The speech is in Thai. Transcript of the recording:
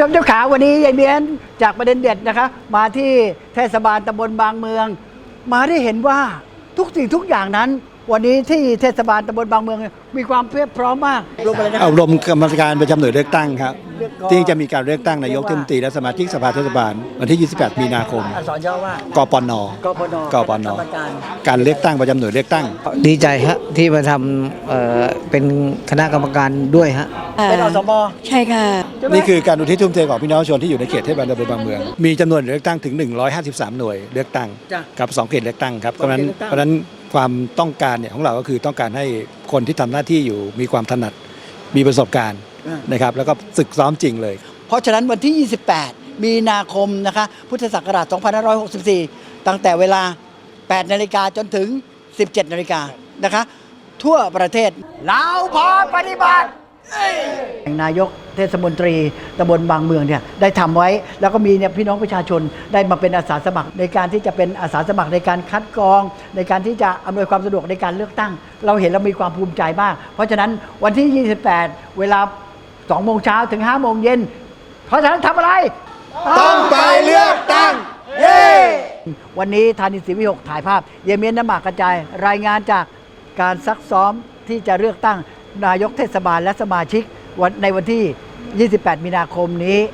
มเจ้าขาวันนี้ยายเมียนจากประเด็นเด็ดนะคะมาที่เทศบาลตำบลบางเมือง มาได้เห็นว่าทุกสิ่งทุกอย่างนั้น วันนี้ที่เทศบาลตำบลบางเมืองมีความเพียบพร้อมมากลงไปเลยนะอบรมกรรมการประจำหน่วยเลือกตั้งครับเลือกก่อนที่จะมีการเลือกตั้งนายกเทศมนตรีและสมาชิกสภาเทศบาลวันที่ 28 มีนาคมอักษรย่อว่ากปนกปนกปนกรรมการการเลือกตั้งประจำหน่วยเลือกตั้งดีใจฮะที่มาทำเป็นคณะกรรมการด้วยฮะเป็นอสมใช่ค่ะใช่ไหมนี่คือการอุทิศทุ่มเทของพี่น้องประชาชนที่อยู่ในเขตเทศบาลตำบลบางเมือง มีจำนวนหน่วยเลือกตั้งถึง 153 หน่วยเลือกตั้งจ้ะกับ2เขตเลือกตั้งครับเพสองราะฉะนั้นเขตเลือกตั้งเพราะฉะนั้นความต้องการเนี่ยของเราก็คือต้องการให้คนที่ทำหน้าที่อยู่มีความถนัดมีประสบการณ์นะครับแล้วก็ฝึกซ้อมจริงเลยเพราะฉะนั้นวันที่ 28 มีนาคมนะคะพุทธศักราช 2564 ตั้งแต่เวลา 8 นาฬิกาจนถึง 17 นาฬิกานะคะ ทั่วประเทศเราพร้อมปฏิบัตินายกเทศมนตรีตำบลบางเมืองเนี่ยได้ทำไว้ แล้วก็มีเนี่ยพี่น้องประชาชนได้มาเป็นอาสาสมัครในการที่จะเป็นอาสาสมัครในการคัดกรอง ในการที่จะอำนวยความสะดวกในการเลือกตั้ง เราเห็นเรามีความภูมิใจมาก เพราะฉะนั้นวันที่ 28 เวลา 2 โมงเช้าถึง 5 โมงเย็น เพราะฉะนั้นทำอะไรต้องไปเลือกตั้งเย้ วันนี้ธานินทร์ศรีวิหกถ่ายภาพ เยเมียนน้ำหมากกระจาย รายงานจากการซักซ้อมที่จะเลือกตั้งนายกเทศบาลและสมาชิกในวันที่ 28 มีนาคมนี้